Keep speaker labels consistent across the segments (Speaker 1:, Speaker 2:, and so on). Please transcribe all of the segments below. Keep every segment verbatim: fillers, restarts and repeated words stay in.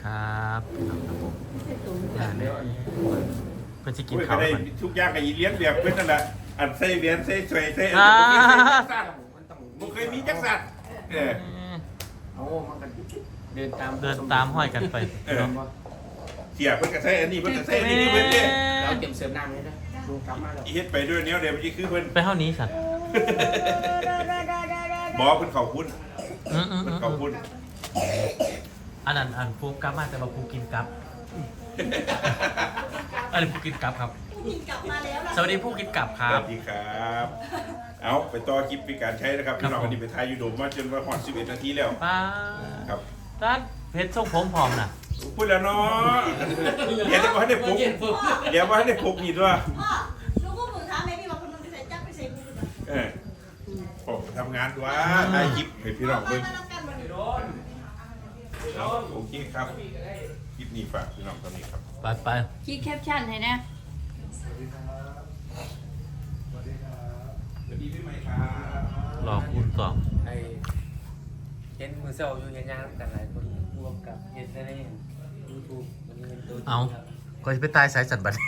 Speaker 1: ครับครับผมเพื่อนจะกิน
Speaker 2: ก็
Speaker 1: ข้าว
Speaker 2: ได้
Speaker 1: กัน
Speaker 2: ทุกอย่างกับอีเลี้ยงแบบเพื่อนนั่นแหละอันใส่เหรียญใส่สวยใส่อะไรผมเคยมีจักรสัตว์เออ
Speaker 3: โอ้มันก็เดินตาม
Speaker 1: เดินตามห้อยกันไป
Speaker 2: เออเสียเพื่อนก็ใส่อันนี้เพื่อนก็ใส่อันนี้เพื่อนเนี่ย
Speaker 3: เราเก็บเสริมน้ำเลยนะดูกลับมาแล้ว
Speaker 2: เฮ็ดไปด้วยเนี้ยเดี๋ยวมันจะคือเพื่อน
Speaker 1: ไปเท่านี้สัตว์
Speaker 2: บอกเพื่อนเขาคุ้น
Speaker 1: อืมอืม
Speaker 2: เพื่
Speaker 1: อื
Speaker 2: อน
Speaker 1: ม
Speaker 2: เขาคุ้น
Speaker 1: อันนั้นอันฟูกลับมาแต่ว่าฟูกินกลับอันนี้ฟูกินกลับครับ
Speaker 4: กินกลับมาแล้วล่ะ
Speaker 1: สวัสดีผู้กินกลับค
Speaker 2: ส
Speaker 1: รับ
Speaker 2: วัสดีครับ เอาไปต่อคลิปในการใช้นะครับพี่น้องวันนี้ไปทายยูโดมมาจนว่าหอดสิบเอ็ดนาทีแล้ว
Speaker 1: ป้า
Speaker 2: ครับ
Speaker 1: ร้านเพชรทรงผมพร้อมนะ
Speaker 2: พูดแล้วเนาะเดี๋ยวว่าให้ได้ปลุกเดี๋ยวว่าให้ได้ปลุกนี่ด้วย
Speaker 4: พ่อลูกก็มือท้าแม่พี่บอกคนนึงไปใส่จักไปใส่กู
Speaker 2: เออผมทำงานด้วยถ่ายคลิปให้พี่น้อง
Speaker 4: มา
Speaker 2: เบิ่ง
Speaker 4: มาแล้วกันวันนี้
Speaker 2: เอาโอเคครับคลิปนี้ฝากพี่น้องตอนนี้ครับ
Speaker 1: ไปไป
Speaker 5: คิดแคปชั่นให้นะ
Speaker 2: สวัสดีพี่ใหม่ครับ
Speaker 1: รอคุณต่อ
Speaker 3: ไอเห็นมือเซลอยู่ยังยางกันหลายคนรวมกับเห็นในยูทูบมันเป็นตัว
Speaker 1: เอาก็จะไปตายสายสัตว์บัด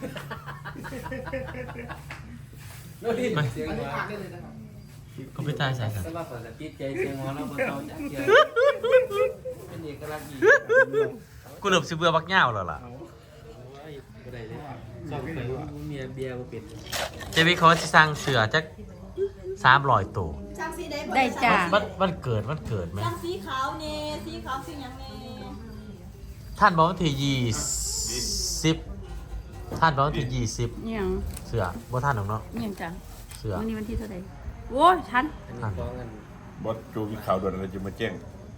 Speaker 3: โน้ตดิเสียงว่า
Speaker 1: ก็ไปตายสายสัตว์
Speaker 3: สำหรับผมจะติดใจเสียงว่าเราเพิ่งเอาจากเสียงเป็นเอกลักษณ์ดี
Speaker 1: กูเริ่มสิเบื่อบักเหย้าแล้วล่ะ
Speaker 3: ก็ได้เลยสองไปเมียเบียร์มาปิด
Speaker 1: เจวิเขาจะสร้างเสือจักสามร้อยตัว
Speaker 4: ช่างสีได้
Speaker 5: ได้จ้า
Speaker 1: มันมันเกิดมันเกิดไหม
Speaker 4: ช่างสีขาวเน่สีขาวสีหยังเน่
Speaker 1: ท่านบอกว่าที่ยี่สิบท่านบอกว่าที่ยี่สิบ
Speaker 5: เนี่ยง
Speaker 1: เสือบ่ท่านหรอกเนาะ
Speaker 5: เนี่ยงจ้ะ
Speaker 1: เสือ
Speaker 5: วันนี้วันที่เท่าไหร่โอ้ยทัน
Speaker 3: อันนี้ฟ้องกัน
Speaker 2: บอสโจมีข่าวด่วนอะไรจะมาแจ้ง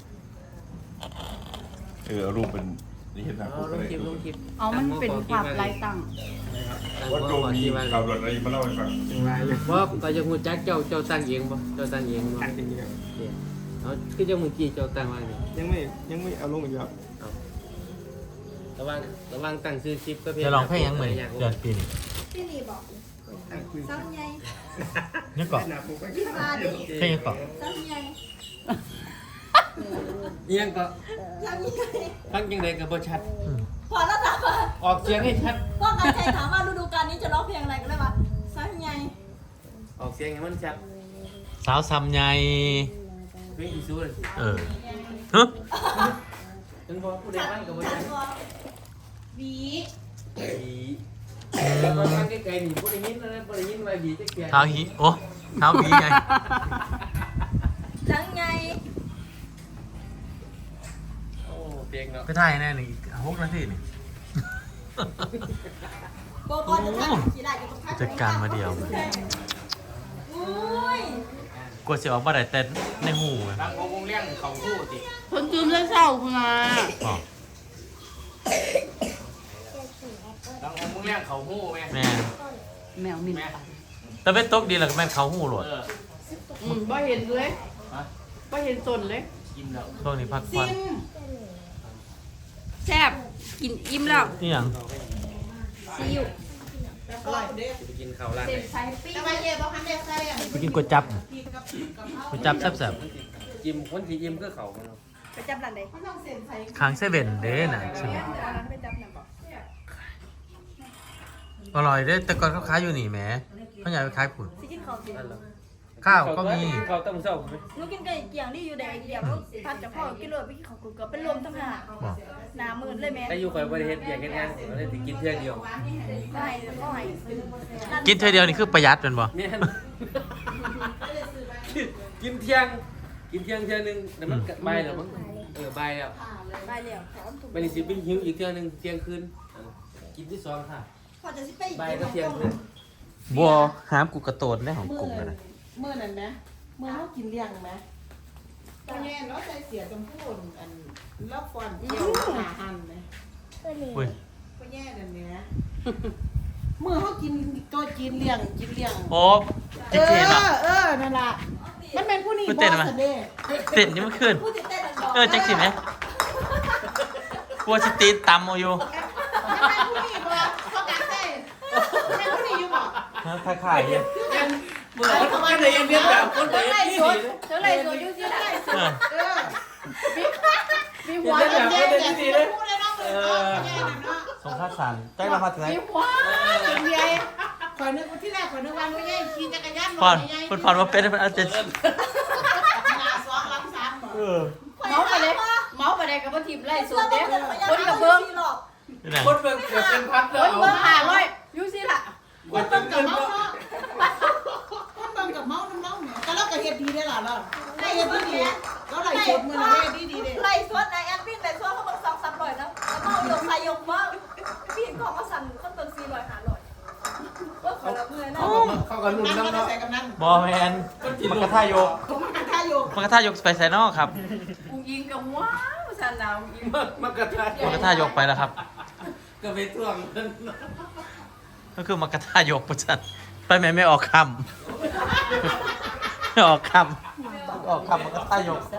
Speaker 2: เออเอารูปเป็นนี่เห็นหน้า
Speaker 3: อ๋
Speaker 2: ผ
Speaker 3: อ
Speaker 2: ม
Speaker 3: ล
Speaker 2: ก็
Speaker 3: ง
Speaker 2: ได้
Speaker 3: คลิปลงคลิป
Speaker 5: เอามันเป็นภาพลายตั้ง
Speaker 2: บอสโจมีข่าวด่วนอะไรมาเล่าให้ฟัง
Speaker 3: ว่าก็จะมูจักเจ้าเจ้าตั้งเองบ่เจ้าตั้งเองบ่ตั้งเองเอาคือเจ้ามือกี้เจ้าตั้งว่าไง
Speaker 6: ยังไม่ยังไม่เอาลงอีกแล้ว
Speaker 3: ระวังระวังตั้งซื้อคลิปก็เพีย
Speaker 1: จะลองเพลงยังไงเดือนปีนี้
Speaker 4: พี่นี่บอกซ้ำใหญ่
Speaker 1: นี่ก่อน
Speaker 6: หน้าผมก็
Speaker 4: พี่มาดิ
Speaker 1: เพลงยังก่อน
Speaker 4: ซ้ำใหญ่
Speaker 3: เอียงก็
Speaker 4: ซ้ำใหญ่
Speaker 3: ฟังยังไงก็บ่ชัด
Speaker 1: อืม
Speaker 4: พอแล้วถามว่า
Speaker 3: ออกเสียงให้ชัด
Speaker 4: พ่อการชัยถามว่าฤดูกาลนี้จะร้องเพลงอะไรกันเลยว่าซ้ำใหญ่
Speaker 3: ออกเสียงให้มันชัด
Speaker 1: สาวซำใหญ่
Speaker 3: เพลงที่สุดเลย
Speaker 1: เออฮะ
Speaker 3: ถึงพอผู้ใด
Speaker 4: ชัด
Speaker 3: ฟังก็บ่
Speaker 4: ชั
Speaker 3: ชั
Speaker 4: ด
Speaker 3: ด
Speaker 4: กว่าบี
Speaker 3: บีแต่พอฟังไกลๆนี่บ่ได้ยินนะบ่ได้ยินว่าบีจักเที่ย
Speaker 1: เท้าหีโอ้เท้าหีไง
Speaker 4: ซ้ำใหญ่
Speaker 3: โอ้เพลงเนาะ
Speaker 1: ไปถ่ายแน่นี่หกนาทีนี่
Speaker 4: โบกอนจะทักขี่ได้จะทัก
Speaker 1: จัดการมาเดียว
Speaker 4: อุ้ย
Speaker 1: กลัวเสียออกมาได้แต่ในหูไง
Speaker 3: บางวงเลี้ยงเขาฮู้ติ
Speaker 5: คนจืมเลยเศร้าคุณมา
Speaker 1: อ๋อบ
Speaker 3: างวงเลี้ยงเขาฮู้แม่
Speaker 1: แม่
Speaker 5: แมวมิน
Speaker 3: แม่
Speaker 1: แต่เป็นตกดีแล้วก็แม่นเขาหูโหลด
Speaker 3: เออ
Speaker 5: อืมบ่เห็นเลย
Speaker 3: ฮะ
Speaker 5: บ่เห็นตนเลย
Speaker 3: กินแล้ว
Speaker 1: ช่วงนี้พักผ่อน
Speaker 5: แซ่บกินอิ่มแล้ว
Speaker 1: นี่หยัง
Speaker 5: ซิว
Speaker 3: จะไปกินข้าวร้าน
Speaker 5: เต็
Speaker 3: ไหน
Speaker 5: มไซปิ้ง
Speaker 4: ทำไมเย่บอกคันเด็กใส่อ่ะ
Speaker 1: ไปกินก๋วยจับก๋วยจับแซ่บ
Speaker 3: จิ้มคนที่จิ้มก็เขามันเนาะ
Speaker 4: ไปจับหลังไหนเขาต้องเซ็นใส่
Speaker 1: ๆค้างเซเว่นเด้น่ะใช่ไหม
Speaker 4: ไปจับหลังก่อน
Speaker 1: อร่อยเด้แต่ก่อนเขาขายอยู่นี่แหมเขาอยากไปขายผุน
Speaker 4: สิกินข้าวสิ
Speaker 3: นั่นเหรอ
Speaker 1: ข้าวก็มี
Speaker 3: ข้าวต้มเช้าไหม
Speaker 4: หนูกินไก่เกี่ยงนี่อยู่แดงเกี่ยงแล้วพัดกับพ่อกินเลยไปกินข้าวกุ๊กเกือบเป็นลมทั้งหา
Speaker 1: บอก
Speaker 4: หนามืนเลยแม่
Speaker 3: แต่อยู่คอยบริเฮ็ดเบียร์เฮ็ดงานก็เลยสิกินเที่ยงเดียว
Speaker 4: ก็ให้ก็ให้
Speaker 1: กินเธอเดียวนี่คือประหยัดเป็นบ่
Speaker 3: แม่นกินเที่ยง กินเที่ยงเที่ยงนึงแต่มันบ่ายแล้วมั้งเออบ่ายแล้ว
Speaker 4: ไปแล้วพร้อมถูก
Speaker 3: ไปนี่สิไปหิวอีกเที่ยงนึงเที่ยงคืนเออกินที่สองค่ะ
Speaker 4: พอจะสิไป
Speaker 3: บ่ายก็เที่ยงคืน
Speaker 1: บัวหามกูกระโตนได้ของกลุ่มเลยนะ
Speaker 7: เมื่อนั้นไหมเมื่อเขากินเลี้ยงไหมตอนแย่เนาะใจเสียจมพูนอันลอกฟันเกี่ยวหาหันไหม
Speaker 1: อุ้ย
Speaker 7: ก็แย่นั่นเนี้ยเมื่อเขากินตัวกินเลี้ยงกินเลี้ยง
Speaker 1: โอ้
Speaker 7: เอ
Speaker 1: จิ๊กเทนอ่ะ
Speaker 7: อเออนั่นล่ะมันเป็นผู้นี้
Speaker 1: พูด
Speaker 7: บ
Speaker 1: เต้
Speaker 7: อน
Speaker 1: ไหม
Speaker 7: สเด้
Speaker 1: เต้นยังไม่ขึ้น
Speaker 4: พูดติดเต้นดอก
Speaker 1: เออจักสิไหมกลัวสตีนตำเอาอยู่
Speaker 7: มันเป็นผู้นี้บอเขากัดเต้เป็นผู้นี้อยู่บอก
Speaker 1: คล้ายๆเนี่ย
Speaker 3: เมื่อเขามาเลยเรียนแบบคนเดียวที่
Speaker 4: เท่าไรสวยยุ่งที่ได้
Speaker 1: เออ
Speaker 7: เออมีหัว
Speaker 3: เรียน
Speaker 7: แด
Speaker 3: แบบ
Speaker 7: ง
Speaker 3: คน
Speaker 7: แด
Speaker 3: เดียว
Speaker 7: ง
Speaker 3: ที่เลย
Speaker 1: มาสั่นใจเรามาถึงไหน
Speaker 7: มีหัวเป็นใหญ่ข่อยนึกว่าที่แรกข่อยนึกว่าไม่ใหญ่ขี่จักรยาน
Speaker 1: พอน
Speaker 7: ใหญ่
Speaker 1: พอนพอนว่าเป็นมันอาจจะ
Speaker 7: หน้าสองหลังสามบ่
Speaker 1: เออ
Speaker 5: เมาไปเลยเมาไปเลยกับว่าทีมไล่สุดเด้คนกับเบิ้ง
Speaker 1: นี่นะ
Speaker 3: คนเบิ่งเกือบเป็นพัน
Speaker 5: ค
Speaker 3: แล้ว
Speaker 5: นเบิ้งหาร้อยอยู่สิล่ะ
Speaker 7: คนเบิ่งกับเมาเนาะคนเบิ่งกับเมาน้ำเมาเนี่ยแต่เราก็เฮ็ดดีได้อล่ะเราได้เฮ็ดดีดีเราได้เฮ็ดมื้อละเฮ็ดดีดีเด้
Speaker 4: ไล่สวนในแอดมินไล่สวนเขาบอกสองสามร้อยนะแล้วก็ยกใส่ยกมาพี่ของมาสั่นคนเติมสี่ร้อยห้าร้อยก็ขอละเมื่อยนะ
Speaker 3: เข้ากันรุ่น
Speaker 7: นั่น
Speaker 3: น้ำ
Speaker 7: ก็
Speaker 3: เนาะ
Speaker 7: ใส่กับนั้น
Speaker 1: บอแมนมันกระทายก
Speaker 7: ผมมันท่าอยู่
Speaker 1: มันกระทายกไปไซนอกครับ
Speaker 5: กูยิงกับว้าวสันดาวยิง
Speaker 3: มันกระทาย
Speaker 1: มันกระทายกไปแล้วครับ
Speaker 3: ก็ไปท่วงมัน
Speaker 1: ก็คือมันกระทายกประจันไปแม่ไม่ออกคำไม่ออกคำออกคำมันกระทายก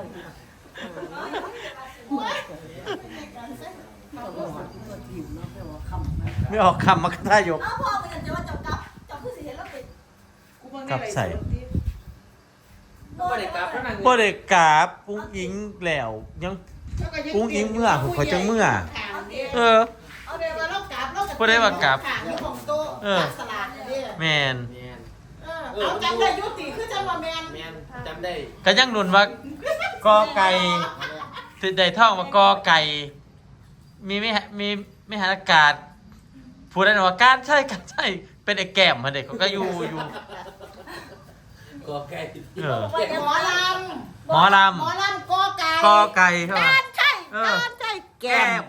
Speaker 1: ไม่ออกคำมันกระทายก
Speaker 4: อ้าวพ่อมันจะว่าจับกับจับคือสิเห็นแล้วเป็น
Speaker 7: กูเบิ่งได้หลายส่วนที่
Speaker 3: ก็ได้กลับนั่น
Speaker 1: บ่ได้กราบปุ้งอิงแล้วยัง กุ้งอิงเมื่อผมขอจังเมื่อ เออ
Speaker 7: เอาเดี๋ยวว่าเรากราบเรา
Speaker 1: บ่ได้ว่ากราบ
Speaker 7: ขางอยู่ของโต๊ะ
Speaker 1: เออ
Speaker 7: ตักสลัดเนี่ยเด้
Speaker 1: แมน
Speaker 3: แมน
Speaker 7: เออเอาจำได้ยุติคือจำว่าแมน
Speaker 3: แมนจำได้
Speaker 1: ก็ยังหนุนว่ากอไก่ได้ท่องว่ากอไก่ มีไม่มีไม่หาอากาศพูดได้ว่าการใช่การใช่เป็นไอ้แก้มมาเด็กเขาก็อยู่อยู่
Speaker 3: ก็แก่
Speaker 1: เออ
Speaker 7: หมอล
Speaker 1: หมอล
Speaker 7: ำหมอลำกอไก่
Speaker 1: ำกอไก่ใช่ไหม
Speaker 7: ใช่
Speaker 1: เออ
Speaker 7: ใช่แก้ม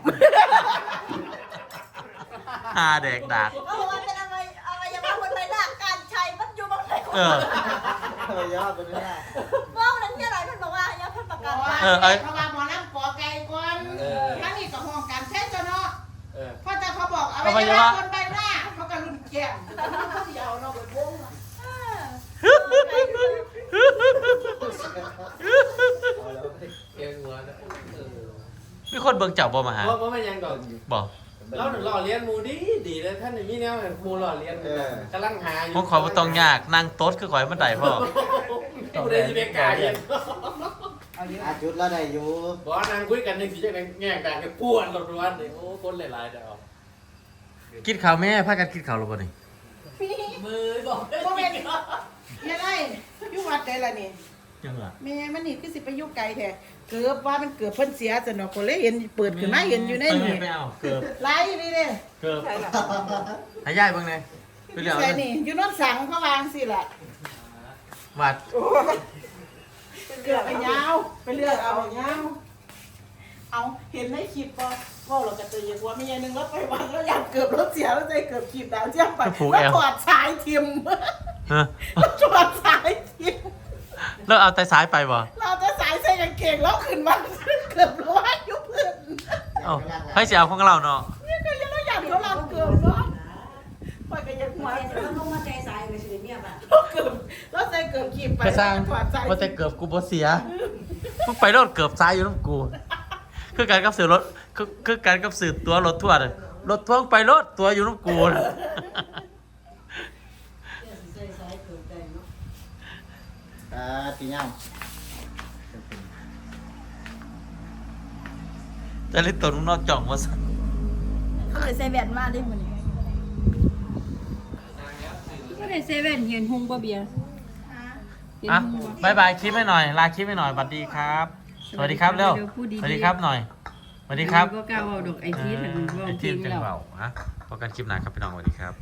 Speaker 1: ฮาเด็กดัก
Speaker 4: ก็บอกว่าเป็นอะไรอะไรยังว่าคนไรล่ะการใช้มันอยู่บางไหน
Speaker 1: เออ
Speaker 7: ยอดไปเลย
Speaker 4: ว่าวันนั้นที่อะไรมันบอกว่าอย่าเพิ่งประกาศว่า
Speaker 1: เออเอ้ย
Speaker 7: เพราะว่าหมอลำกอไก่ก่อนทั้งนี้กับห้องการแท้เจ้าเนาะ
Speaker 3: เออ
Speaker 7: พอแต่เขาบอกเอาไว้ว่าคนใบหน้าเขาก็รุ่นแก้มเขาสิเอาเนาะไปวง
Speaker 3: เก่งหัวนะเออ
Speaker 1: มีคนเบิ่งเจับบ่มาหา
Speaker 3: เพราะว่ามันยังดอก
Speaker 1: บอก
Speaker 3: เราหล่อเลี้ยนมูดีดีเลยท่านมีแนวมูหล่อเลี้ยนกำลังหาอยู่
Speaker 1: ผมขอบ่ต้องยากนั่งโต๊ดคือขอยมันได้พ่อ
Speaker 3: กูได้ที่เบกาเย็น
Speaker 6: อาจุดแล้วได้อยู่
Speaker 3: บอกนางคุยกันในสีจะแง่กันกันป้วนรถร้อนเลยโอ้คนหลายๆเดี๋ยว
Speaker 1: กินข้าวแม่พากันกินข้าวหรือบ่นี่
Speaker 3: มือบอก
Speaker 7: บ่แม่นเฮ็ดไรอยู่วัดได้ล่ะนี่
Speaker 1: ยังล่ะ
Speaker 7: แม่มันนี่คือสิไปอยู่ไกลแท้เกือบว่ามันเกือบเพิ่นเสียซะเนาะก็เลยเห็นเปิดขึ้นมาเห็นอยู่ในนี่
Speaker 1: ไม่เอาเกือบ
Speaker 7: ไลฟ์นี่เด้
Speaker 1: เกือบให้ยายเบิ่งหน่อยไปเรียก
Speaker 7: ใส่
Speaker 1: เอา
Speaker 7: นี่อยู่โนนสังเขาวางสิล่ะ
Speaker 1: วัด
Speaker 7: เกือบไปยาวไปเลือกเอายาวเอาเห็นในคลิปบ่ว่าเราก็ตื่นว่ามีอย่างนึงรถไปวัดแล้วอยากเกือบรถเสียแล้วใจเกือบขีดดาวเจียมไปแล้วถอดสายทิม
Speaker 1: เออ
Speaker 7: ถอดสายทิม
Speaker 1: แล้วเอาแต่สายไปบ่
Speaker 7: เราจะสายใส่กางเกงแล้วขึ้นมาเกือบร้อยยุบเพื่อน
Speaker 1: เอ้าให้สิเอาของเราเนาะ
Speaker 7: นี่ก็ยังเราอยากเขาเราเกือบเนาะปล่อยกันยังหัว
Speaker 4: มันลงมาใจสายไปสิเนี่ยแบบ
Speaker 7: เกือบแล้วใส่เกือบขีดไป
Speaker 1: กระสร้าง
Speaker 7: ถอดสาย
Speaker 1: ว่าแต่เกือบกูบ่เสียมึงไปรถเกือบซ้ายอยู่น้ำกู คือการกับสื่อรถคือคือการกับสื่อตัวรถทั่วเลยรถทั่วไปรถตัวอยู่น้ำกูนะ
Speaker 6: อ่าตีย่
Speaker 1: แต่ลิตตัวนุ่งนอกจ่องว่าสั่น
Speaker 4: เขาเลยใส่แว่นมาได้หมดนี่
Speaker 5: ก็ได้เซเว่นเห็นหงบ่เบียร์
Speaker 1: อ่ะบายบายคลิปให้หน่อยลาคลิปให้หน่อยสวัสดีครับ สวัสดีครับเร็วสวัสดีครับหน่อยสวัสดีครับ
Speaker 5: ก็กล้าเอาดอกไอทีถึงว่า
Speaker 1: ไอ
Speaker 5: จ
Speaker 1: ที
Speaker 5: ริ
Speaker 1: ม
Speaker 5: ง
Speaker 1: จัง
Speaker 5: แล้ว
Speaker 1: เบาฮะพบกันคลิปหน้าครับพี่น้องสวัสดีครับ